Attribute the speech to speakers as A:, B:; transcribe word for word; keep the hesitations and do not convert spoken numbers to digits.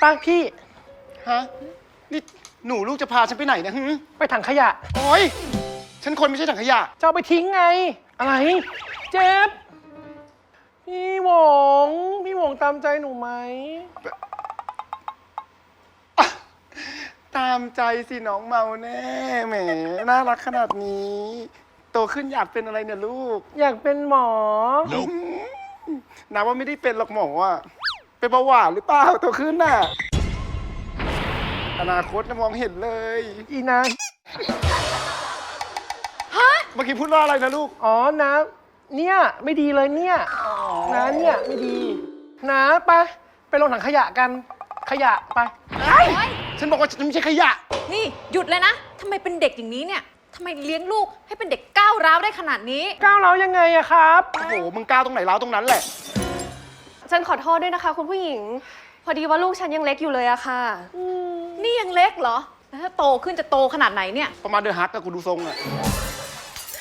A: ป้าพี่
B: ฮะ นี่หนูลูกจะพาฉันไปไหนเนะฮึ
A: ไปถังขยะ
B: โอ้ยฉันคนไม่ใช่ถังขยะ
A: จะเอาไปทิ้งไง อะไร เจ็บ พี่หวง พี่หวงตามใจหนูไหม
B: ตามใจสิน้องเมาแน่แหมน่ารักขนาดนี้ โตขึ้นอยากเป็นอะไรเนี่ยลูก
A: อยากเป็นหมอ
B: นาว่าไม่ได้เป็นหรอกหมออ่ะเป็นเบาหวานหรือเปล่าโตขึ้นน่ะ อนาคตนะมองเห็นเลย
A: อีนะ
B: เมื่อกี้พูดว่าอะไรนะลูก
A: อ๋อนะ เนี่ยไม่ดีเลยเนี่ยนะเนี่ยไม่ดี นะไปไปลงถังขยะกัน ขยะไป
B: ฉันบอกว่าฉันไม่ใช่ขยะ
C: นี่หยุดเลยนะทำไมเป็นเด็กอย่างนี้เนี่ยทำไมเลี้ยงลูกให้เป็นเด็กก้าวร้าวได้ขนาดนี้
A: ก้าวเรายังไงอะครับ
B: โอ้โห มึงก้าวตรงไหนร้าวตรงนั้นแหละ
D: ฉันขอโทษด้วยนะคะ คุณผู้หญิง พอดีว่าลูกฉันยังเล็กอยู่เลยอะค่ะ
C: นี่ยังเล็กเหรอแล้วถ้าโตขึ้นจะโตขนาดไหนเนี่ย
B: ประมาณเดือฮักกับกูดูทรงอ่ะ